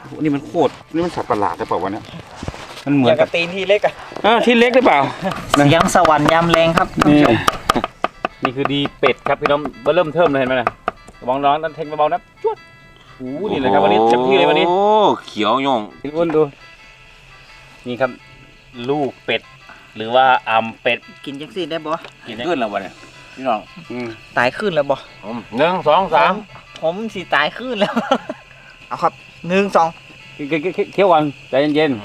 นี่มันโคตรนี่มันสัตว์ประหลาดหรือเปล่าวะเนี่ยมันเหมือนกับตีนที่เล็กอะที่เล็กหรือเปล่าเสียงสวรรค์ยามแรงครับท่านผู้ชมนี่คือดีเป็ดครับพี่น้องเริ่มเทิมเลยเห็นไหมนะมองน้องนั่นเทงเบาๆนะจวดนี่เลยครับวันนี้เต็มที่เลยวันนี้โอ้เขียวย่องพี่อ้วนดูนี่ครับลูกเป็ดหรือว่าอ่ำเป็ดกินจังซี่ได้บ่กินขึ้นแล้ววะเนี่ยพี่น้องตายขึ้นแล้วบ่ 1 2 3 ผมสิตายขึ้นแล้วเอาครับ1 2 เคี้ยวก่อนใจเย็น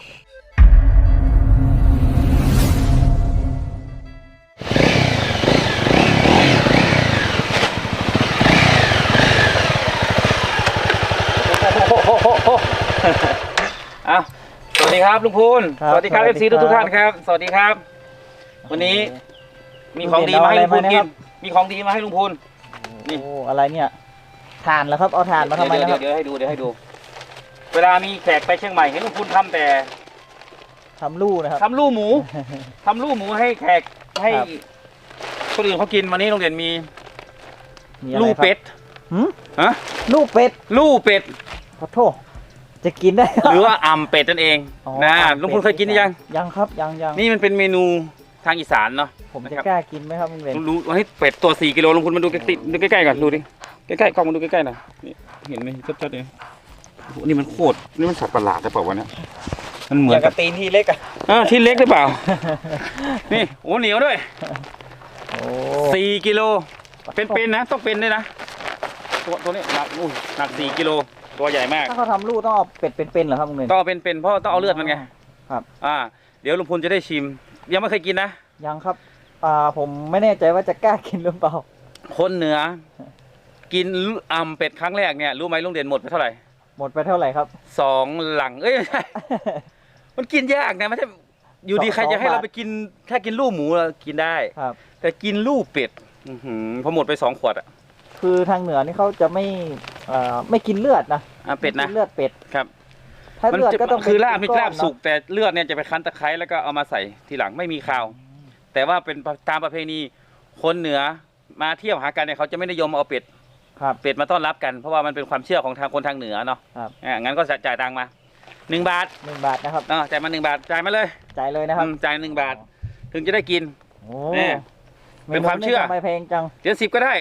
สวัสดีครับลุงพูนสวัสดีครับFCทุกท่านครับสวัสดีครับวันนี้มีของดีมาให้ลุงพูนกินมีของดีมาให้ลุงพูนนี่อะไรเนี่ยถ่านแล้วครับเอาถ่านมาทำไมนะครับเดี๋ยวให้ดูเวลามีแขกไปเชียงใหม่เห็นลุงพูนทำแต่ทำลู่นะครับทำลู่หมูให้แขกให้คนอื่นเขากินวันนี้โรงเรียนมีลู่เป็ดลู่เป็ดขอโทษจะกินได้หรือว่าอ่ำเป็ดนั่นเองนะลุงพูนเคยกินหรือยังครับยังนี่มันเป็นเมนูทางอีสานเนาะผมจะกล้ากินไหมครับลุงเรนรู้วันนี้เป็ดตัว4 กิโลลุงพูนมาดูใกล้ๆก่อนดูดิใกล้ๆกล้องมาดูใกล้ๆหน่อยนี่เห็นไหมชัดๆเลยนี่มันโคตรนี่มันสัตว์ประหลาดหรือเปล่าวะเนี่ยมันเหมือนกับตีนที่เล็กอะที่เล็กหรือเปล่านี่โอ้เหนียวด้วย4 กิโลเป็นนะต้องเป็นด้วยนะตัวนี้หนัก4 กิโลตัวใหญ่มากถ้าเขาทำลูกต้องเอาเป็ดเป็นเหรอครับลุงเรนต้องเป็นเพราะต้องเอาเลือดมันไงครับเดี๋ยวลุงพูนจะได้ชิมยังไม่เคยกินนะยังครับผมไม่แน่ใจว่าจะกล้ากินหรือเปล่าคนเหนือกินอ่ำเป็ดครั้งแรกเนี่ยรู้ไหมลุงเด่นหมดไปเท่าไหร่ครับ 2 หลังไม่ใช่มันกินยากนะไม่ใช่อยู่ดีใครจะให้เราไปกินแค่กินลูกหมูเรากินได้ครับแต่กินลูกเป็ดพอหมดไป2 ขวดคือทางเหนือนี่เขาจะไม่กินเลือดนะเป็ดนะเลือดเป็ดครับถ้าเลือดก็ต้องคือลาบสุกแต่เลือดเนี่ยจะไปคั้นตะไคร้แล้วก็เอามาใส่ทีหลังไม่มีคาวแต่ว่าเป็นตามประเพณีคนเหนือมาเที่ยวหากันเนี่ยเขาจะไม่นิยมเอาเป็ดมาต้อนรับกันเพราะว่ามันเป็นความเชื่อของทางคนทางเหนือเนาะงั้นก็จ่ายตังค์มา1 บาทนะครับจ่ายมา1 บาทจ่ายมาเลยนะครับจ่าย1 บาทถึงจะได้กินเป็นความเชื่อไม่แพงจังเดี๋ยว10ก็ได้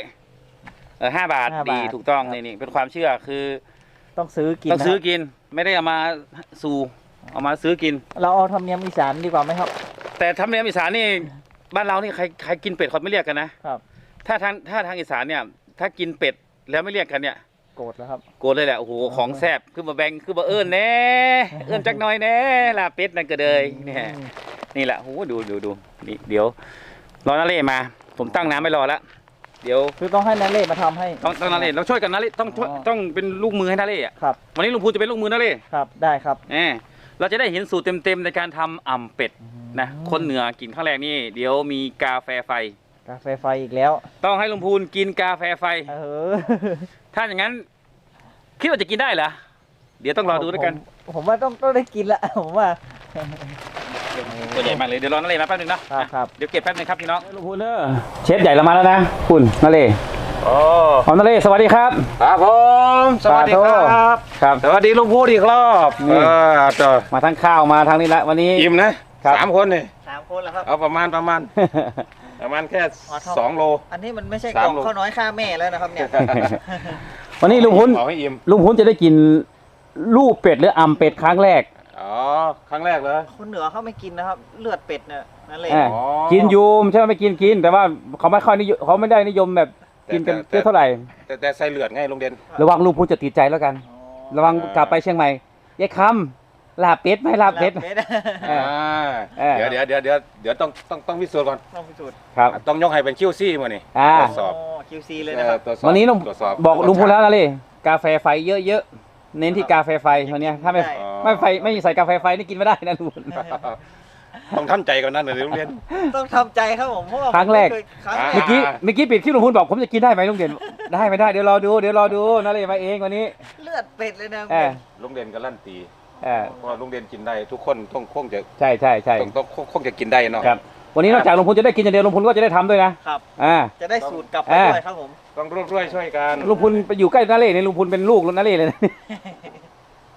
5 บาทดีถูกต้องนี่เป็นความเชื่อคือต้องซื้อกินไม่ได้เอามาเอามาซื้อกินเราเอาธรรมเนียมอีสานดีกว่าไหมครับแต่ธรรมเนียมอีสานนี่บ้านเรานี่ใครกินเป็ดเขาไม่เรียกกันนะครับถ้าทางอีสานเนี่ยถ้ากินเป็ดแล้วไม่เรียกกันเนี่ยโกรธแล้วครับโกรธเลยแหละโอ้โหของแซ่บคือมาแบ่งคือมาเอิ้นแน่เอิ้นจักหน่อยแน่ลาเป็ดนั่นก็เลยนี่แหละโอ้โหดูนี่เดี๋ยวรอนาเล่มาผมตั้งน้ำไม่รอแล้วเดี๋ยวคือต้องให้นาเล่มาทำให้ต้องนาเล่เราช่วยกันนาเล่ต้องเป็นลูกมือให้นาเล่ครับวันนี้ลุงพูนจะเป็นลูกมือนาเล่ครับได้ครับเราจะได้เห็นสูตรเต็มในการทำอ่ำเป็ดนะคนเหนือกินข้างแรกนี่เดี๋ยวมีกาแฟไฟอีกแล้วต้องให้ลุงพูนกินกาแฟไฟถ้าอย่างนั้นคิดว่าจะกินได้เหรอเดี๋ยวต้องรอดูด้วยกันผมว่าต้องได้กินละผมว่าตัวใหญ่มากเลยเดี๋ยวรอนาเล่มาแป๊บนึงนะครับเดี๋ยวเก็บแป๊บนึงครับพี่น้องลุงพูนเชฟใหญ่เรามาแล้วนะคุณนาเล่นาเล่สวัสดีครับครับผมสวัสดีครับสวัสดีลุงพูนอีกรอบมาทั้งข้าวมาทั้งนี้ละวันนี้อิ่มนะ3 คนนี่ 3 คนแล้วครับเอาประมาณแค่2 โลอันนี้มันไม่ใช่กล่องข้าวน้อยค่าแม่แล้วนะครับเนี่ยวันนี้ลุงพูนจะได้กินลูกเป็ดหรืออ่ำเป็ดครั้งแรกครั้งแรกเลยคนเหนือเขาไม่กินนะครับเลือดเป็ดเนี่ยนั่นเลยกินยูมใช่ไหมไม่กินแต่ว่าเขาไม่ค่อยนิยมเขาไม่ได้นิยมแบบกินกันเท่าไหร่แต่ใส่เลือดไงลุงเด่นระวังลุงพูนจะติดใจแล้วกันระวังกลับไปเชียงใหม่ยายคำลาเป็ดไหมลาเป็ดเดี๋ยวต้องพิสูจน์ก่อนครับต้องยกให้เป็นQCมานี่ตรวจสอบ QC เลยนะครับวันนี้บอกลุงพูนแล้วนะเลยกาแฟไฟเยอะเน้นที่กาแฟไฟวันนี้ถ้าไม่ใส่กาแฟไฟนี่กินไม่ได้นะลุงต้องทำใจก่อนนั่นเลยลุงเด่นต้องทำใจครับผมเพราะว่าครั้งแรกเมื่อกี้ปิดคลิปลุงพูนบอกผมจะกินได้ไหมลุงเด่นได้ไม่ได้เดี๋ยวรอดูนะเลยมาเองวันนี้เลือดเป็ดเลยนะลุงเด่นก็ลั่นตีเพราะลุงเด่นกินได้ทุกคนต้องคงจะใช่ต้องคงจะกินได้เนาะครับวันนี้นอกจากลุงพูนจะได้กินอย่างเดียวลุงพูนก็จะได้ทำด้วยนะครับจะได้สูตรกลับไปด้วยครับผมต้องร่วมด้วยช่วยกันลุงพูนไปอยู่ใกล้นาเล่เนี่ยลุงพูนเป็นลูกนาเล่เลย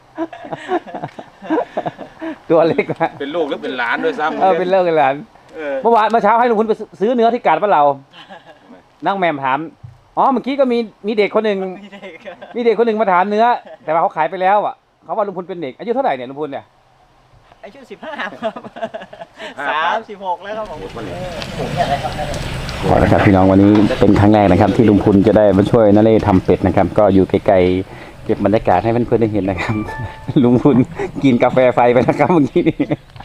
ตัวเล็กนะเป็นลูกหรือเป็นหลานด้วยซ้ำเป็นเลิกกันหลานเมื่อเช้าให้ลุงพุนไปซื้อเนื้อที่กาดบ้านเรานั่งแมมถามอ๋อเมื่อกี้ก็มีเด็กคนหนึ่งมีเด็กคนหนึ่งมาถามเนื้อ แต่ว่าเขาขายไปแล้วอ่ะเขาว่าลุงพุนเป็นเด็กอายุเท่าไหร่เนี่ยลุงพุนเนี่ยอายุ15 ครับ36แล้วครับผมขอนะครับพี่น้องวันนี้เป็นครั้งแรกนะครับ ที่ลุงพุนจะได้มาช่วยนาเล่ทำเป็ดนะครับ ก็อยู่ไกลๆเก็บบรรยากาศให้เพื่อนๆได้เห็นนะครับ ลุงพุนกินกาแฟไฟไปนะครับเมื่อกี้นี้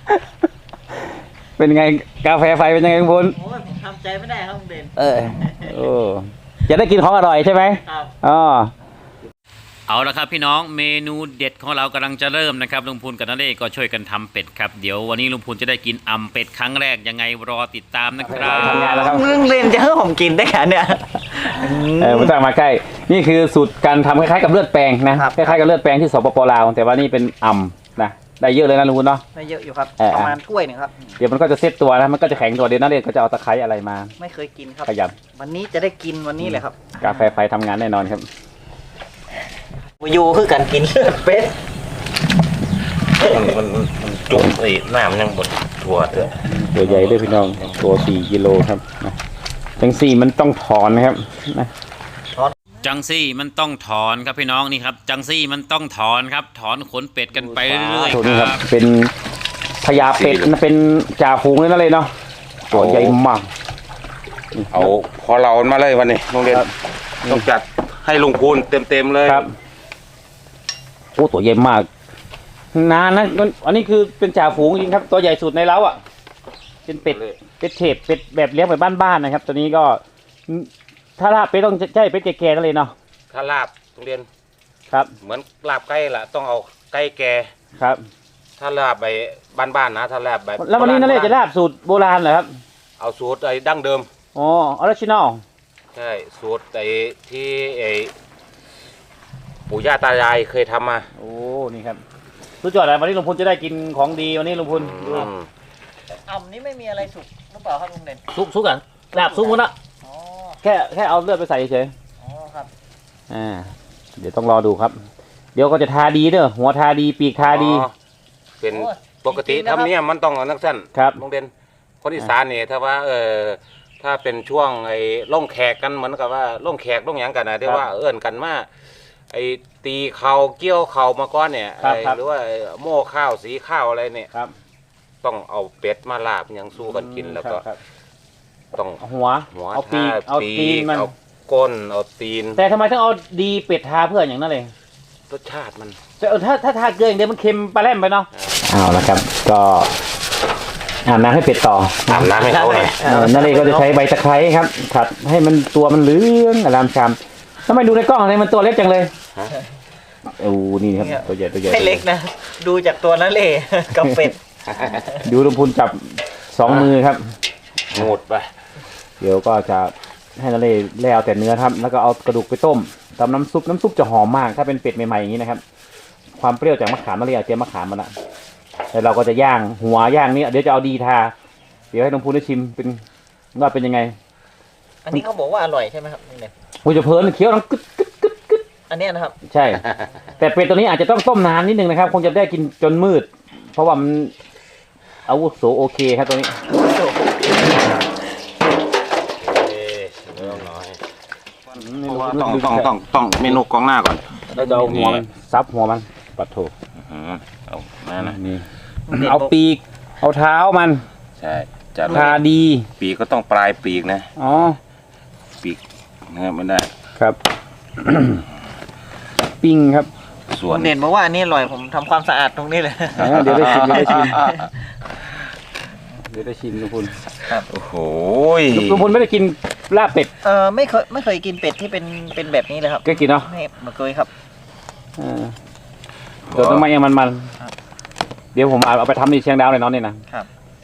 เป็นไงกาแฟไฟเป็นยังไงลุงพุนโอ้ยผมทำใจไม่ได้ครับลุงเด่นโอ้จะได้กินของอร่อยใช่ไหมครับอ๋อเอาละครับพี่น้องเมนูเด็ดของเรากำลังจะเริ่มนะครับลุงพูนกับนาเล่ก็ช่วยกันทำเป็ดครับเดี๋ยววันนี้ลุงพูนจะได้กินอ่ำเป็ดครั้งแรกยังไงรอติดตามนะครับทำงานแล้วครับลุงเด่นจะให้ผมกินได้แค่เนี่ยไม่ต้องมาใกล้นี่คือสูตรการทำคล้ายๆกับเลือดแปลงนะครับ คล้ายๆกับเลือดแปลงที่สปปลาวแต่ว่านี่เป็นอ่ำนะได้เยอะเลยนะลุงพุนเนาะไม่เยอะอยู่ครับประมาณถ้วยหนึ่งครับเดี๋ยวมันก็จะเซ็ตตัวนะมันก็จะแข็งตัวเดี๋ยวนาเล่ก็จะเอาตะไคร้อะไรมาไม่เคยกินครับขยวันนี้จะได้กินวันนี้เลยครับำกาแฟไฟทำงานแน่นอนครับอยู่คือการกินเลือดเป็ดมันจุ่มไอ้น้ำยังบดถั่วเถอะตัวใหญ่ด้วยพี่น้องตัว4 กิโลครับนะจังสี่มันต้องถอนนะครับนะจังซี่มันต้องถอนครับพี่น้องนี่ครับจังซี่มันต้องถอนครับถอนขนเป็ดกันไปเรื่อยตัวๆนี้คครัรับบ เป็นพญาเป็ดนะเป็นจ่าฝูงเลยนั่นเลยเนาะตัวใหญ่มากเอาพอเรามาเลยวันนี้โรงเรียนต้องจัดให้ลุงพูนเต็มๆเลยครับโอ้ตัวใหญ่มากนานนะอันนี้คือเป็นจ่าฝูงจริงครับตัวใหญ่สุดในเล้าอ่ะเป็นเป็ดเทปเป็ดแบบเลี้ยงแบบบ้านๆนะครับ ตัวนี้ก็ถ้าลาบเป็ดต้องใช่เป็ดแก่ๆนั่นเลยเนาะถ้าลาบโรงเรียนครับเหมือนลาบไก่ละต้องเอาไก่แก่ครับถ้าลาบไปบ้านๆนะถ้าลาบแบบแล้ววันนี้นั่นเลยจะลาบสูตรโบราณเหรอครับเอาสูตรไอ้ดั้งเดิมอ๋อออริจินอลใช่สูตรไอ้ที่ไอ้ปู่ย่าตายายเคยทำมาโอ้นี่ครับสุดยอดเลยวันนี้ลุงพลจะได้กินของดีวันนี้ลุงพลอืมอ่ำนี้ไม่มีอะไรสุกหรือเปล่าครับลุงเด่นซุกอ่ะลาบซุกหมดละอ๋อแค่เอาเลือดไปใส่เฉยอ๋อครับเดี๋ยวต้องรอดูครับ เดี๋ยวก็จะทาดีเด้อหัวทาดีปีกทาดีอ๋อเป็นโอ้ยปกติจริงๆนะครับทำเนี่ยมันต้องเอานักสั้นครับโรงเรียนคนอีสานเนี่ยถ้าว่าถ้าเป็นช่วงไอ้ล่องแขกกันเหมือนกับว่าล่องแขกล่องหยังกันนะที่ว่าเอื้อนกันมาไอ้ตีเข่าเกี่ยวเข่ามาก้อนเนี่ยครับหรือว่าโม่ข้าวสีข้าวอะไรเนี่ยครับต้องเอาเป็ดมาลาบยังสู้กันกินแล้วก็ครับต้องเอาหัวหัวเอาปีกท่เอาตีนมันเอาก้นเอาตีนแต่ทำไมต้องเอาดีเป็ดทาเพื่ออย่างนั้นเลยรสชาติมันถ้าทาเกลืออย่างเดียวมันเค็มปลาแรมไปเนาะเอาละครับ ก็อาบน้ำให้เป็ดต่ออาบน้ำให้เขาหน่อยนั่นเลยก็จะใช้ใบตะไคร้ครับผัดให้มันตัวมันเหลืองอลามชามทำไมดูในกล้องอะไรมันตัวเล็กจังเลยโอ้นี่ครับตัวใหญ่ตัวใหญ่ไม่เล็กนะ ดูจากตัวนั่นเลย กับเป็ดดูลุงพูนจับ2 มือครับงูดไปเดี๋ยวก็จะให้นาเล่แล้วแต่เนื้อครับ แล้วก็เอากระดูกไปต้มทำน้ำซุปจะหอมมากถ้าเป็นเป็ดใหม่ๆอย่างนี้นะครับ ความเปรี้ยวจากมะขามนาเล่เอาเตรียมมะขามมาละแล้วเราก็จะย่างหัวย่างนี้เดี๋ยวจะเอาดีทาเดี๋ยวให้ลุงพูนได้ชิมเป็นว่าเป็นยังไงอันนี้เขาบอกว่าอร่อยใช่ไหมครับลุงเด่นโอ้ยจะเพลินเคี้ยวน้ำกึดอันเนี้ยนะครับใช่ แต่เป็ดตัวนี้อาจจะต้องต้มนานนิดนึงนะครับ คงจะได้กินจนมืด เพราะว่ามันอาวุโสโอเคครับตัวนี้ต้องเมนูกองหน้าก่อนแล้วจะเอาหัวมันซับหัวมันปัดโถเอามานะนี่เอาปีกเอาเท้ามันใช่จะทาดีปีกก็ต้องปลายปีกนะอ๋อปีกเนี่ยมันได้ครับ ปิ้งครับส่วนลุงเด่นบอกว่าอันนี้อร่อยผมทำความสะอาดตรงนี้เลยเดี๋ยวได้ชิมเดี๋ยวได้ชิมลุงพลโอ้โหลุงพลไม่ได้กินลาบเป็ดไม่เคยกินเป็ดที่เป็นแบบนี้เลยครับก็กินเนาะไม่เคยครับเดี๋ยวต้องมาเองมันเดี๋ยวผมเอาไปทำในเชียงดาวเลยเนาะนี่นะครับ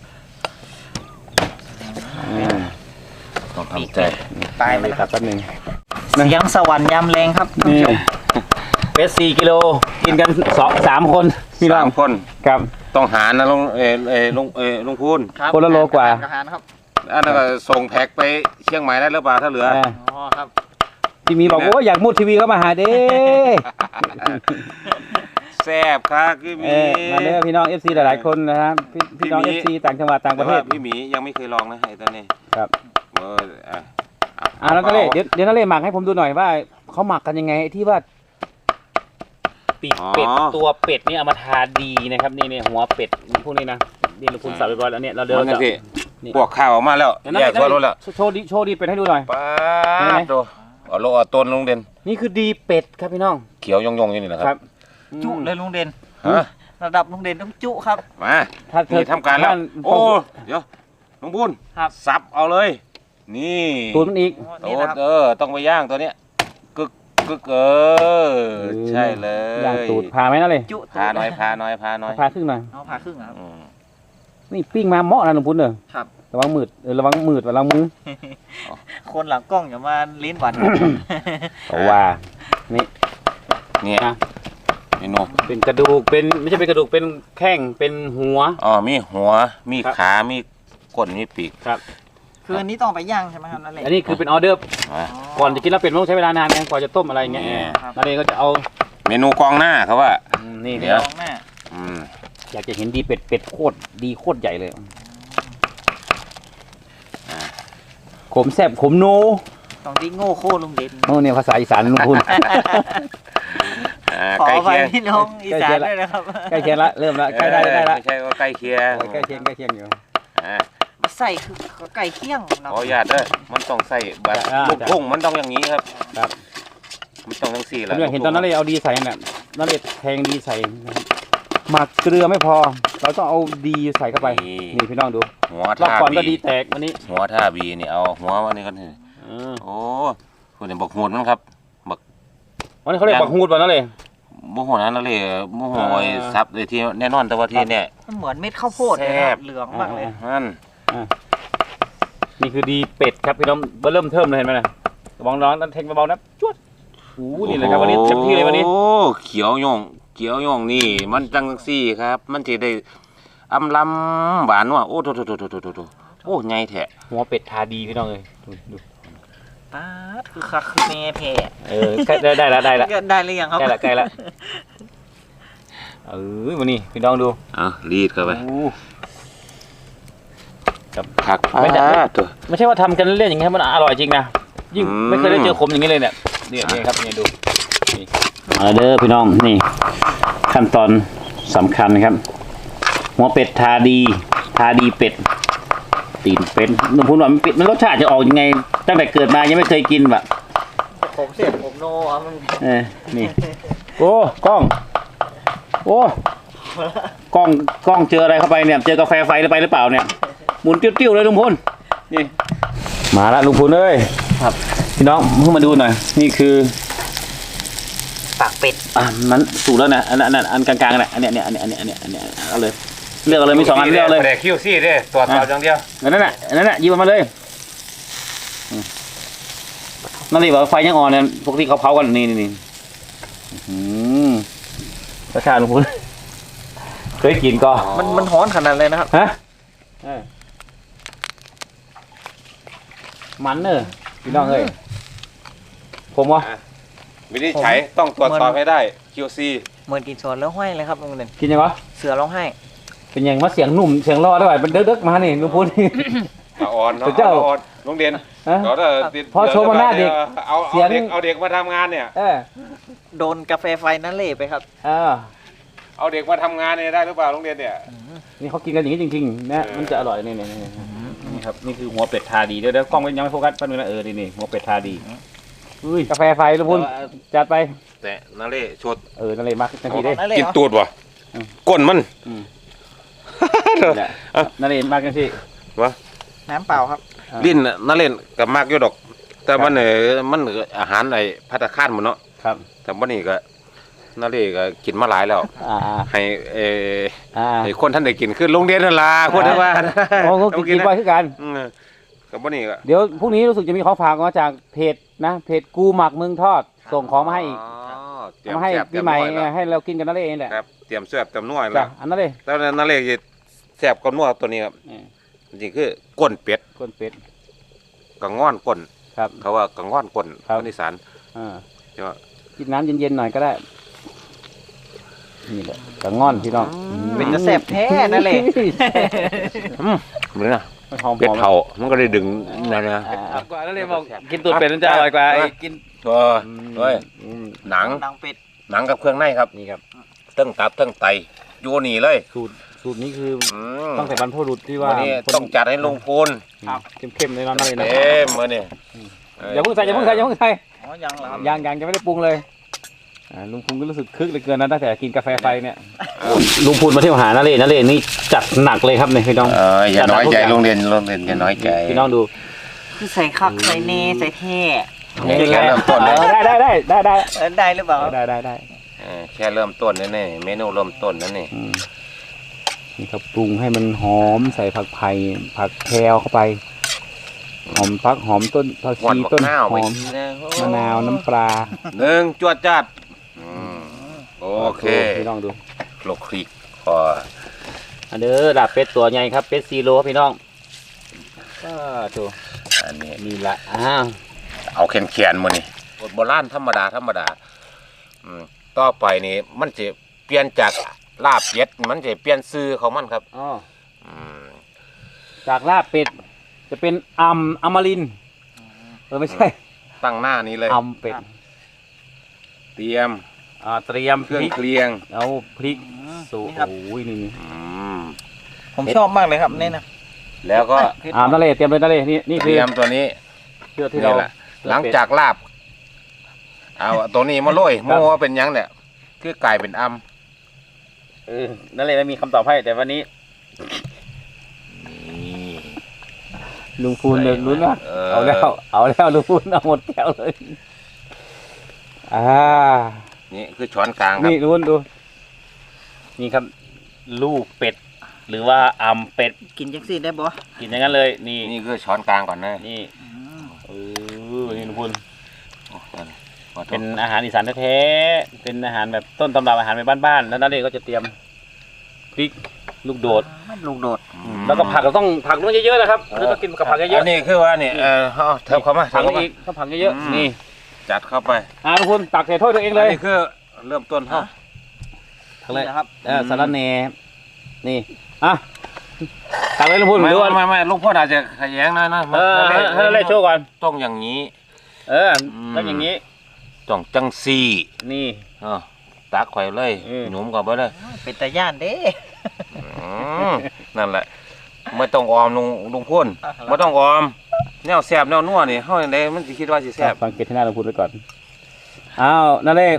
ต้องทำใจตายไปเลยแล้วครับแป๊บนึงเสียงสวรรค์ยามแรงครับท่านนี่ผู้ชมเป็ด4 กิโลกินกัน3 คนพี่น้อง 3 คนครับต้องหารนะลุงพูนครับคนละโลกว่าอาหารครับอันนั้นก็ส่งแพ็คไปเชียงใหม่ได้หรือเปล่าถ้าเหลืออ๋อครับที่มีบอกว่าอยากมุดทีวีเข้ามาหาเด้แซ่บครับพี่หมีมาเด้อพี่น้อง FC หลายๆคนนะครับพี่น้อง FC ต่างจังหวัดต่างประเทศแต่ว่าพี่หมียังไม่เคยลองนะไอ้ตัวนี้ครับอ่ะแล้วนั่นเลยเดี๋ยวนั่นเลยหมักให้ผมดูหน่อยว่าเขาหมักกันยังไงที่ว่าปีกเป็ดตัวเป็ดนี่เอามาทาดีนะครับนี่หัวเป็ดพวกนี้นะนี่เราคุณสับเรียบร้อยแล้วเนี่ยเราเดินมันจะสิพวกข้าวออกมาแล้วแยกตัวรถแล้วโชว์ดีเป็ดให้ดูหน่อยป้าดโตเอาโลเอาต้นลุงเด่นนี่คือดีเป็ดครับพี่น้องเขียวยงๆอย่างนี้แหละครับจุเลยลุงเด่นฮะระดับลุงเด่นต้องจุครับมาถ้าเธอนี่ทำการแล้วท่านโอ้เดี๋ยวลุงบุญครับสับเอาเลย นี่ตูนมันอีกโตนี่นะครับต้องไปย่างตัวเนี้ยกึกใช่เลยย่างตูดพาไหมนั่นเลยจุพาหน่อยตูดพาหน่อยพาหน่อยพาครึ่งหน่อยเอาผ่าครึ่งครับอืมนี่ปิ้งมาเหมาะนะหลวงพุทธเนอะครับระวังมืดระวังมืดระวังมือคนหลังกล้องอย่ามาลิ้นหวานเพราะว่านี่เนี่ยนะเมนูเป็นกระดูกเป็นไม่ใช่เป็นกระดูกเป็นแข้งเป็นหัวอ๋อมีหัวมีครับขามีก้นมีปีกครับคืออันนี้ต้องไปย่างใช่ไหมครับนั่นแหละอันนี้คือเป็นออเดอร์มาก่อนจะกินแล้วเป็ดมันต้องใช้เวลานานไงกว่าจะต้มอะไรอย่างเงี้ยครับนั่นเองก็จะเอาเมนูกองหน้าเขาว่านี่เดี๋เนี่ยยวลองหน้าอืมอยากจะเห็นดีเป็ดโคตรดีโคตรใหญ่เลยขมแซ่บขมโนต้องที่โง่โค่ลุงเด่นโอ้เนี่ยภาษาอีสานลุงคุณขอใกล้ไปเคียงพี่น้องอีสานด้วยนะครับใกล้เคียงละเริ่มละใกล้ได้ละไม่ใช่ว่าใกล้เคียงใกล้เคียงอยู่อ่ามาใส่คือไก่เคี่ยงขเนาะออนุญาตเด้อมันต้องใส่แบบ ลูกทุ่งมันต้องอย่างนี้ครับครับมันต้องทั้งสี่ผแล้วมอยากเห็นตอนนั้นเลยเอาดีใส่เนี่ยนั่นเลยแทงดีใส่นะครับหมักเกลือไม่พอ เราต้องเอาดีใส่เข้าไปนี่พี่น้องดูหัวรอบท่าก่อนก็บีดีแตกวันนี้หัวท่าบีนี่เอาหัววันนี้กันเถอะเออโอ้คุณเนี่ยบอกหูดมันครับวันนี้เขาเรียกบักฮูดวันนั้นเลยบ่หัวนั้นเลยบ่หัวไอ้ซับเลยที่แน่นอนแต่ว่าที่เนี่ยมันเหมือนเม็ดข้าวโพดเลยแซ่ครับ บเหลืองมากเลยนั่นนี่คือดีเป็ดครับพี่น้องเริ่มเทิมเลยเห็นไหมนะระวังร้อนแทงเบาๆนะจวดโอ้นี่เลยครับวันนี้เต็มที่เลยวันนี้โอ้เขียวย่องนี่ มันจังซี่ครับ มันจะได้อำลำหวานว่ะโอ้โถโอ้ใหญ่แท้หัวเป็ดทาดีพี่น้องเลยดูป๊าดคือคักคือแม่แพ้ได้ละได้หรือยังครับใกล้ละวันนี้พี่น้องดูเอารีดเข้าไปโอ้ผักไม่ได้ตัวไม่ใช่ว่าทำกันเล่นๆอย่างนี้มันอร่อยจริงนะยิ่งอืมไม่เคยได้เจอขมอย่างนี้เลยเนี่ยนี่ครับนี่ดูนี่มาเด้อพี่น้องนี่ ขั้นตอนสำคัญนะครับ หัวเป็ดทาดีเป็ดตีนเป็ดหนุ่มพูดว่ามันรสชาติจะออกยังไง ตั้งแต่เกิดมายังไม่เคยกินแบบผมเสียบผมโนครับมันนี่โอ้กล้องโอ้กล้องเจออะไรเข้าไปเนี่ยเจอกาแฟไฟไปหรือเปล่าเนี่ยหมุนติ้วๆเลยลุงพลนี่มาละลุงพลเอ้ยครับพี่น้องเพิ่งมาดูหน่อยนี่คือปากเป็ดมันสูตรแล้วนะอันกลางๆนะอันเนี้ยเอาเลยเลือกเอาเลยมี2 อันเลือกเลยแต่คิวซี่เด้ตรวจสอบอย่างเดียวนั่นน่ะหยิบมาเลยนั่นเลยบอกไฟยังอ่อนเนี่ยปกติเขาเผากันนี่ประชาลุงพลเคยกินก็มันฮ้อนขนาดเลยนะครับฮะมันเนอะพี่น้องเอ้ยผมวะวินิจฉัยต้องตรวจสอบให้ได้ QC เหมือนกินสวนแล้วห้อยเลยครับลุงเด่นกินยังวะเสือร้องไห้เป็นยังมาเสียงหนุ่มเสียงรอได้ไหมเป็นเด็กๆมานี่ลุงพลอ่อนเนาะเจ้าอ่อนโรงเรียนฮะเดี๋ยวถ้าติดพอโชว์มาหน้าเด็กเอาเสียงเอาเด็กมาทำงานเนี่ยโดนกาแฟไฟนั่นเละไปครับเอาเด็กมาทำงานเนี่ยได้หรือเปล่าโรงเรียนเนี่ยนี่เขากินกันอย่างนี้จริงๆนะมันจะอร่อยนี่ครับนี่คือหัวเป็ดทาดีเดี๋ยวกล้องยังไม่โฟกัสแป๊บนึงนะนี่หัวเป็ดทาดีกาแฟไฟลุงพลจัดไปแต่นาเล่ชดนั่นเลยมากทันทีได้นั่นเลยกินเหรอตูดวะก้นมันนั่นเลยมากทันทีวะน้ำเปล่าครับลิ้นนาเล่นกับมากอยู่ดอก แต่มันมันอาหารไอ้ภัตตาคารหมดเนาะครับแต่วันนี้ก็นาเล่ก็กินมาหลายแล้ว ให้ไอ้คนท่านได้กินคือโรงเรียนนั่นล่ะคนที่ว่าโอ้ก็กินไว้คือกันกับวันนี้ก็เดี๋ยวพรุ่งนี้รู้สึกจะมีของฝากมาจากเพจนะเพจกูหมักเมืองทอดส่งของมาให้อีกเตรียมมาให้แซ่บปีใหม่เตรียมนวดแล้วให้เรากินกันนั่นเองแหละครับเตรียมแซ่บเตรียมนวดจ้ะแล้วอันนั้นเลยแล้วนาเล่จะแซ่บกับนวดตัวนี้ครับจริงๆคือก้นเป็ดก้นเป็ดกังง่อนก้นครับเขาว่ากังง่อนก้นครับคนอีสานอ่าใช่ไหมกินน้ำเย็นๆหน่อยก็ได้นี่แหละกระง่อนพี่น้องเป็นกระแสบแท้นั่นเลยเหมือนนะหอมเป็ดเผามันก็ได้ดึงนั่นนะกว่านั่นเลยบอกกินตูดเป็ดมันจะอร่อยกว่าไอ้กินเฮ้ยหนังหนังเป็ดหนังกับเครื่องในครับนี่ครับเตั้งตับเตั้งไตอยู่นี่เลยสูตรนี้คือมตั้งแต่บรรพบุรุษที่ว่าวันนี้ต้องจัดให้ลุงพูนเข้มๆเลยนะนั่นเลยนะเต็มมือนี่อย่าเพิ่งใส่อย่าเพิ่งใส่อย่าเพิ่งใส่อ๋อยังเหรอครับยังไม่ได้ปรุงเลยลุงพูนก็รู้สึกคึกเหลยเกินนะตั้งแต่กินกาแฟไฟเนี่ยลุงพูนมาเที่ยวหานาเล่นี่จัดหนักเลยครับเนี่ยพี่น้องอย่าน้อยใจโรงเรียนอย่าน้อยใจพี่น้องดูคือใส่คักใส่เนใส่แท้นี่แค่เริ่มต้นเลยได้ได้หรือเปล่าได้แค่เริ่มต้นนั่นนี่เมนูเริ่มต้นนั่นนี่นี่ครับปรุงให้มันหอมใส่ผักไผ่ผักแพรวเข้าไปหอมฟักหอมต้นผักหวานชีบักต้นหน้าวหไปอมทีนะมะนาวน้ำปลาหนึ่งจวดจัดโอเคพี่น้องดูโลกคลิกพออันเด้อลาบเป็ดตัวใหญ่ครับเป็ดซีโร่พี่น้องก็ดูอันนี้นี่ละเอาแขนๆมือนี่โบราณธรรมดาต่อไปนี่มันจะเปลี่ยนจากลาบเป็ดมันจะเปลี่ยนซื้อของมันครับอ๋อมจากลาบเป็ดจะเป็นอมรินทร์ไม่ใช่ตั้งหน้านี้เลยเป็ดเตรียมเตรียมเคพรื่องริกเคียงเอาพริกสูตรนี่ครับโอ้ยนี่อืมผมชอบมากเลยครับเนี่ยนะแล้วก็นั่นเลยเตรียมเลยนั่นเลยนี่เตคือรียมตัวนี้เชือกที่นี่เราแหละหลังจากลาบเอาตัวนี้มาโรยคโมรับว่าเป็นหยังเนี่ยคือกลายเป็นอนั่นเลยไม่มีคำตอบให้แต่วันนี้ำลุงพูนเนี่ยลุ้นว่าเอเอาแล้วลุงพูนเอาหมดแก้วเลยนี่คือช้อนกลางครับนี่ลุ้นดูนี่ครับลูกเป็ด หรือว่าเป็ดกินจังซี่ได้บ่กินอย่างนั้นเลยนี่นี่คือช้อนกลางก่อนนะนี่นี่ลุงพูนโอ้นั่นขอโทษเป็นอาหารอีสานแท้ๆเป็นอาหารแบบต้นตำรับอาหารแบบบ้านๆแล้วนั่นเองก็จะเตรียมพริกลูกโดดลูกโดดแล้วก็ผักเราต้องผักต้องเยอะๆนะครับคือต้องกินกับผักเยอัอะนนี้คือว่านี่เอาเทิบเข้ามาๆผักเทิบเข้ามาอีกต้องผักเยอะๆนี่จัดเข้าไปลุงพูนตักใส่ถ้วยตัวเองเลยนนี้คือเริ่มต้นเขาทั้งเลยนะครับสาระแหน่นี่ตักเลยลุงพูนหรือว่าไม่ลูกพ่ออาจจะขยงหนะให้เราเล่โชว์ก่อนต้องอย่างนี้ต้องอย่างนี้ต้องจังซี่นี่ตักไข่เลยอืมหนุ่มก่อนไปเลยเป็นตาย่านเด้นั่นแหละไม่ต้องออมลุงพ่นไม่ต้องออมแนวแซ่บแนวนัวนี่เฮาอย่างใดมันสิคิดว่าสิแซ่บสังเกตที่หน้าลุงพูนไว้ก่อนอ้าวนั่นเลย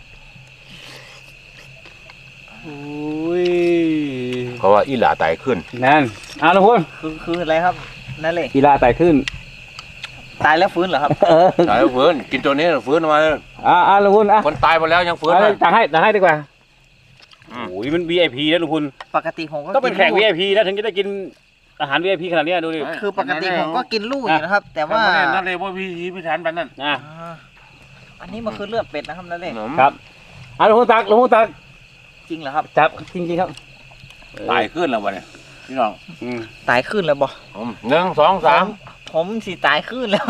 อุ้ยเพราะว่าอีหลาตายขึ้นนั่นลุงพูนคืออะไรครับนั่นเลยกีฬาไต่ขึ้นตายแล้วฟื้นเหรอครับตายแล้วฟื้นกินตัวนี้ฟื้นมาเลยลุงพูนคนตายไปแล้วยังฟื้นนะตักให้ดีกว่าโอ้ยมัน VIP นะลุงพูนปกติผมก็ต้องเป็นแขก VIP นะถึงจะได้กินอาหาร VIP ขนาดเนี้ยดูดิคือปกติผมก็กินลูกอยู่นะครับ แต่ว่านั่นเลยว่าพี่ฐานแบบนั้นอ่ะอันนี้มันคือเลือดเป็ดนะครับนั่นเลยครับลุงพูนตักจริงเหรอครับจับจริงครับตายขึ้นแล้ววะเนี่ยพี่น้องตายขึ้นแล้วบ่ 1 2 3 ผมสิตายขึ้นแล้ว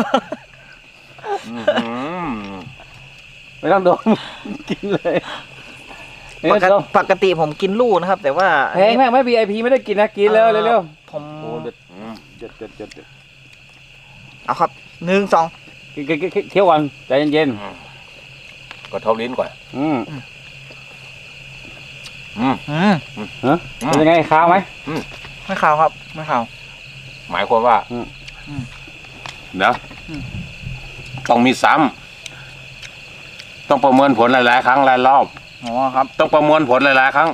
ไม่ต้องดมกินเลยปกติผมกินลูกนะครับ แต่ว่าแพงมากไหม VIP ไม่ได้กินนะกินเร็วผมเด็ดเอาครับ1 2 เคี้ยวก่อนใจเย็นก็ทบลิ้นก่อนเป็นยังไงข้าวไหมไม่ข่าวครับไม่ข่าวหมายความว่าเดี๋ยวต้องมีซ้ำต้องประเมินผลหลายๆครั้งหลายรอบอ๋อครับต้องประมวลผลหลายๆครั้ง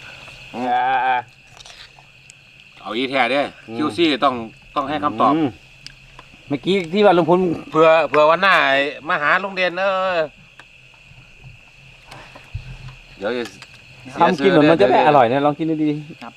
เอาอีแท้เด้คิวซี่ต้องให้คำตอบเมื่อกี้ที่ว่าลุงพลเพื่อวันหน้ามาหาลุงเด่นเดี๋ยวจะทำกินเหมือนมันจะได้อร่อยนะลองกินดูดีครับ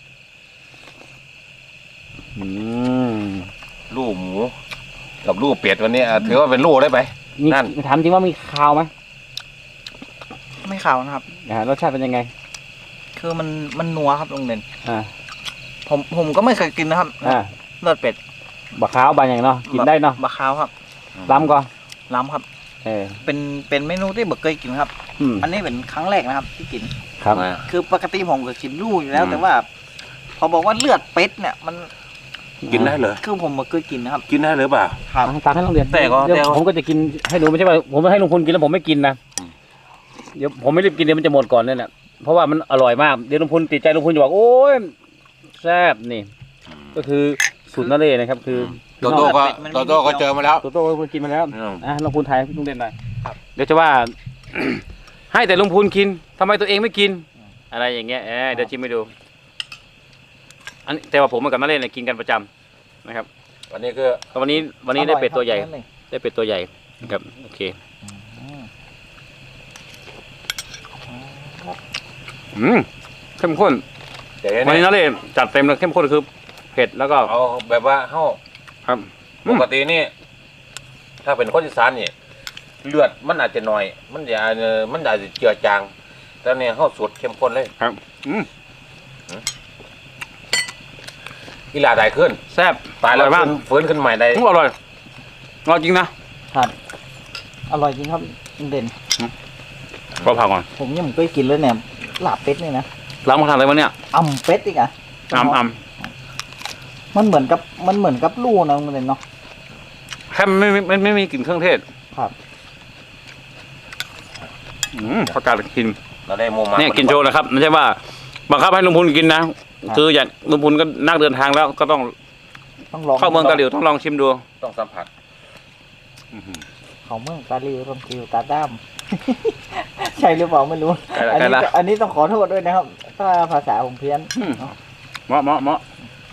ลูกหมูกับลูกเป็ดวันนี้ถือว่าเป็นลูกได้ไหม นั่นถามจริงว่ามีข้าวไหมไม่ข่าวนะครับรสชาติเป็นยังไงคือมันนัวครับลุงเด่นอ่าผมก็ไม่เคยกินนะครับเลือดเป็ดบะข้าวบางอย่างเนาะกินได้เนาะบะขาวครับล้ำก่อนล้ำครับเป็นเมนูที่ผมเคยกินครับ อันนี้เป็นครั้งแรกนะครับที่กินครับคือปกติผมก็กินลู่อยู่แล้ว แต่ว่า พอบอกว่าเลือดเป็ดเนี่ยมันกินได้เหรอคือผมมาเคยกินนะครับกินได้หรือเปล่าครับตักให้โรงเรียนแต่ก็เดี๋ยวผมก็จะกินให้ดูไม่ใช่ว่าผมให้ลุงพลกินแล้วผมไม่กินนะเดี๋ยวผมไม่รีบกินเดี๋ยวมันจะหมดก่อนเนี่ยแหละเพราะว่ามันอร่อยมากเดี๋ยวลุงพลติดใจลุงพลจะบอกโอ้ยแซ่บนี่ ก็คือสูตรนั่นเลยนะครับ คือโตโต้ก็เจอมาแล้วโตโต้ลุงพลกินมาแล้วอืมลุงพลไทยลุงเด่นหน่อยเดี๋ยวจะว่า ให้แต่ลุงพลกินทำไมตัวเองไม่กิน อะไรอย่างเงี้ยเดี๋ยวชิมให้ดูอันนี้แต่ว่าผมกับนั่นเลยเนี่ยกินกันประจำนะครับวันนี้คือวันนี้ได้เป็ดตัวใหญ่อร่อยครับได้เป็ดตัวใหญ่นะครับโอเคเข้มข้นเดี๋ยววันนี้นี้นั่นเลยจัดเต็มเลยเข้มข้นคือเผ็ดแล้วก็เอาแบบว่าเฮาครับปกตินี่ถ้าเป็นคนอีสานนี่เลือดมันอาจจะน้อย มันอาจจะเจือจางแต่เนี่ยเฮาสูตรเข้มข้นเลยครับอีหลาได้ขึ้นแซ่บตายอแล้ร่วอยมากฟื้นขึ้นใหม่ได้อร่อยจริงนะครับอร่อยจริงครับลุงเด่นขอผักก่อนผมยังไม่เคยกินเลยเนี่ยลาบเป็ดนี่นะล้างมาทานอะไรวะเนี่ยอ่ำเป็ดอีกอ่ะอ่ำมันเหมือนกับลู่นะลุงเด่นเนาะแค่ไม่มีกลิ่นเครื่องเทศครับประกาศกินเราได้โมมาเนี่ยกินโชว์นะครับไม่ใช่ว่าบังคับให้ลุงพลกินนะคืออย่างลุงพลก็นักเดินทางแล้วก็ต้องต้องลองเข้าเมืองกะหลิวต้องลองชิมดูต้องสัมผัสเขาเมืองกาลีรมกิวตาด้าม ใช่หรือเปล่าไม่รู้ อันนี้ต้องขอโทษด้วยนะครับ ถ้าภาษาผมเพี้ยนเหมาะ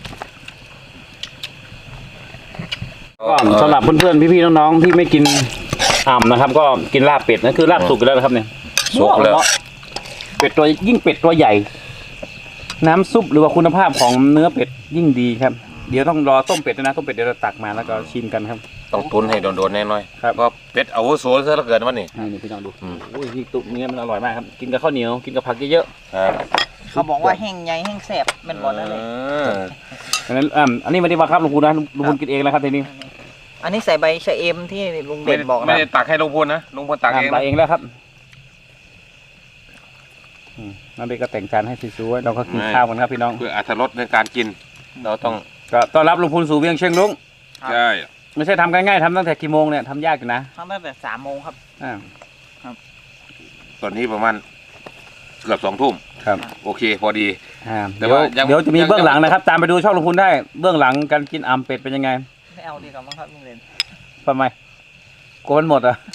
ก็สำหรับเพื่อนๆพี่ๆน้องๆที่ไม่กินอ่ำนะครับ ก็กินลาบเป็ดนั่นคือลาบสุกอยู่แล้วนะครับเนี่ยสุกเลยเป็ดตัวยิ่งเป็ดตัวใหญ่ น้ำซุปหรือว่าคุณภาพของเนื้อเป็ดยิ่งดีครับเดี๋ยวต้องรอต้มเป็ดด้วยนะต้มเป็ดเดี๋ยวเราตักมาแล้วก็ชิมกันครับต้องตุนให้โดนๆแน่นอนครับก็เป็ดอาวุโสซะเหลือเกินวันนี้นี่พี่น้องดูอืมโอ้ยนี่ตุ๊เนื้อมันอร่อยมากครับกินกับข้าวเหนียวกินกับผักเยอะครับเขาบอกว่าแห้งใหญ่แห้งแสบเป็นบอลนั่นเลยๆอันนั้นอันนี้ไม่ได้บังคับลุงพูนนะลุงพูนกินเองแล้วครับทีนี้อันนี้ใส่ใบชะเอมที่ลุงเด่นบอกไม่นะได้ตักให้ลุงพลนะลุงพลตักเองตันะกเองแล้วครับนั่นเองก็แต่งจานให้สวยๆเราก็กินข้าวกันครับพี่น้องเพื่ออรรถรสในการกิน เราต้องก็ต้อนรับลุงพูนสู่เวียงเชียงลุงใช่ไม่ใช่ทำง่ายๆทำตั้งแต่กี่โมงเนี่ยทำยากอยู่นะทำตั้งแต่3 โมงครับอ่าตอนนี้ประมาณเกือบ2 ทุ่มครับโอเคพอดี แต่เดี๋ยวว่ายังเดี๋ยวจะมีเบื้องหลังนะครับ ตามไปดูช่องลุงพูนได้เบื้องหลังการกินอ่ำเป็ดเป็นยังไงไม่เอาดีกว่ามั้งครับลุงเด่นทำไมกลัวมันหมดอ่ะ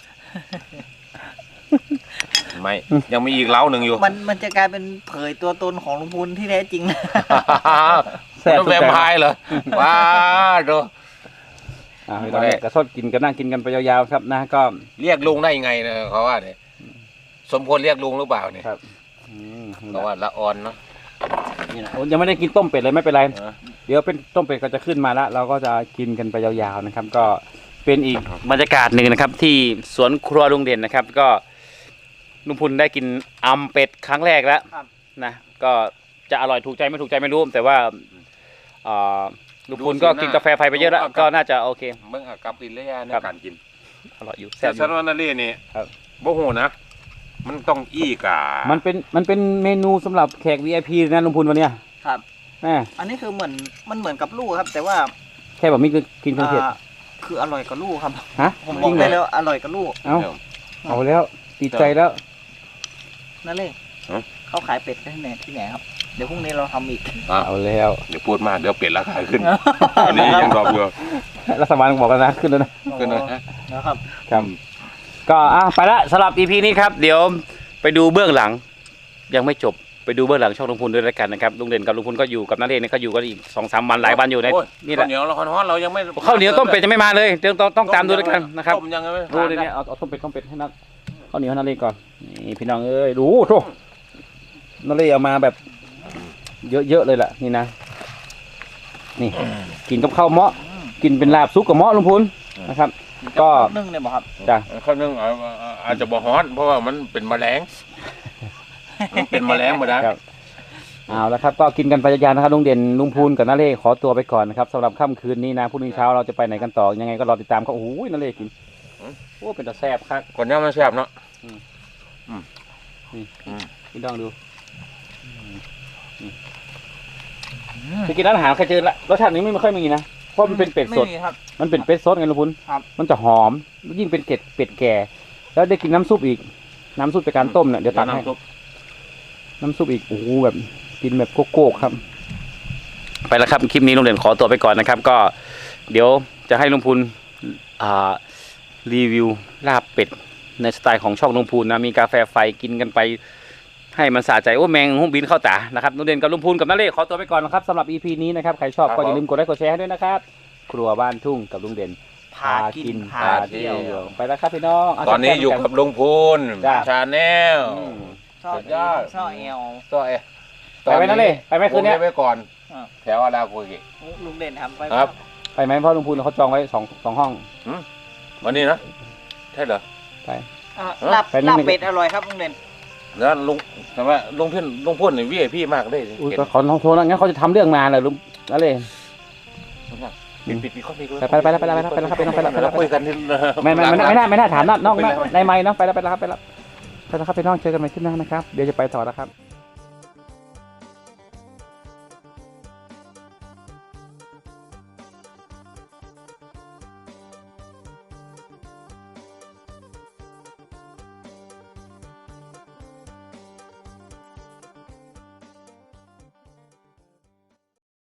ไม่ยังมีอีกเล้าหนึ่งอยู่มันจะกลายเป็นเผยตัวตนของลุงพูนที่แท้จริงแซ่บต้องสุดแวมใจไพร์เหรอว้าดูพี่น้องเนี่ยกระสดกินกันนั่งกินกันไปยาวๆครับนะก็เรียกลุงได้ยังไงเนี่ยเขาว่าเนี่ยสมควรเรียกลุงหรือเปล่าเนี่ยครับเพราะว่าละออนเนาะนี่นะยังไม่ได้กินต้มเป็ดเลยไม่เป็นไรเออเดี๋ยวเป็นต้มเป็ดก็จะขึ้นมาแล้ว เราก็จะกินกันไปยาวๆนะครับ ก็เป็นอีกบรรยากาศหนึ่งนะครับ ที่สวนครัวลุงเด่นนะครับ ก็ลุงพุนได้กินอ่ำเป็ดครั้งแรกแล้วครับนะก็จะอร่อยถูกใจไม่ถูกใจไม่รู้ แต่ว่าลุงพุนก็กินกาแฟไฟไปเยอะแล้วก็น่าจะโอเคเมื่อกับกินระยะในการกินอร่อยอยู่แซ่แต่บอซันยู่วานาเล่นี่ครับบ่หูนะ มันต้องอี้กามันเป็นเมนูสำหรับแขก VIP นะลุงพุนวันเนี้ยครับแม่อันนี้คือมันเหมือนกับลู่ครับ แต่ว่าแค่แบบนี้คือกินเครื่องเทศคืออร่อยกว่าลู่ครับฮะผมบจอริกงเหรได้อแล้วอร่อยกว่าลู่เอาแล้วติดใจแล้วนั่นเลยเขาขายเป็ดที่ไหนครับ เดี๋ยวพรุ่งนี้เราทำอีกเอาแล้วเดี๋ยวพูดมากเดี๋ยวเป็ดราคาขึ้น อันนี้ยังดอกอยู่รัฐบาลบอกแล้วนะขึ้นแล้วนะขึ้นนะนะครับครับก็ไปละสำหรับ EP นี้ครับ เดี๋ยวไปดูเบื้องหลัง ยังไม่จบไปดูเบื้องหลังช่องลุงพูนด้วยแล้วกันนะครับลุงเด่นกับลุงพูนก็อยู่กับนักเรียนนี่เขาอยู่กันอีก2-3 วันหลายวันอยู่ในโอ้นี่แหละข้าวเหนียวเราฮ้อนๆเรายังไม่ข้าวเหนียวต้มเป็ดจะไม่มาเลยเดี๋ยวต้องตามดูด้วยกันนะครับต้มยังไม่ดูเลยเนี่ยเอาต้มเป็ดให้นักข้าวเหนียวให้นักเรียนก่อนนี่พี่น้องเอ้ยดูโถนักเรียนเอามาแบบ เยอะๆเลยล่ะนี่นะนี่กินกับข้าวเมาะกินเป็นลาบซุปกับเมาะลุงพูนนะครับ ก็นึ่งเนี่ยบอกครับจ้ะข้าวนึ่งอาจจะบ่ฮ้อนเพราะว่ามันเป็นแมลงมันเป็นแมลงหมดนะครับเอาละครับก็กินกันไปยาวๆนะครับลุงเด่นลุงพูนกับนาเล่ขอตัวไปก่อนนะครับสำหรับค่ำคืนนี้นะพรุ่งนี้เช้าเราจะไปไหนกันต่อยังไงก็รอติดตามเขาโอ้โหนาเล่กินโอ้เป็นตาแซ่บครับก่อนเนี้ยมันแซ่บเนาะพี่น้องดูคือกินร้านอาหารเคยเจอละรสชาตินี้ไม่ค่อยมีนะเพราะมันเป็นเป็ดสดไม่มีครับมันเป็นเป็ดสดไงลุงพุนครับมันจะหอมยิ่งเป็นเป็ดแก่ แล้วได้กินน้ำซุปอีกน้ำซุปจากการต้มเนี่ยเดี๋ยวตักให้ น้ำซุปอีกโอ้โหแบบกินแบบโก้ๆครับไปแล้วครับคลิปนี้ลุงเด่นขอตัวไปก่อนนะครับ ก็เดี๋ยวจะให้ลุงพูนรีวิวลาบเป็ดในสไตล์ของช่องลุงพูนนะมีกาแฟไฟกินกันไปให้มันสะใจโอ้แมงหุ้มบินเข้าตานะครับลุงเด่นกับลุงพูนกับน้าเล่ขอตัวไปก่อนนะครับสำหรับ EP นี้นะครับใครชอบก็อย่าลืมกดไลค์กดแชร์ให้ด้วยนะครับครัวบ้านทุ่งกับลุงเด่นพากินพาเที่ยวไปแล้วครับพี่น้องเาตอนนี้จัดอยู่แก้มกับลุงพูนจ้ะชาแนลอืมชอบสุดยอดชอบเอลต่อเอไปไหมนั่นเลยไปไหมคืนเนี้ยผมได้ไว้ก่อนอ่าแถวอาราโกกิลุงเด่นทำไปครับไปไหมเพราะลุงพูนเขาจองไว้สองห้องวันนี้นะใช่เหรอไปลาบไปนั่ลาง บนี่เป็ดอร่อยครับลุงเด่นแล้วลุงแต่ว่าลุงพูนนี่วีไอพีมากเลยอุ้ยเห็นก็ขอโทษนะงั้นเขาจะทำเรื่องนานเลยลุงนั่นเลยปิดข้อมีไปแล้วครับไปแล้วคุยกันที่ไม่น่าถามนอกได้ไหมเนาะไปแล้วครับไปแล้วครับไปแล้วครับพี่น้องเจอกันใหม่คลิปหน้านะครับเดี๋ยวจะไปต่อแล้วครับ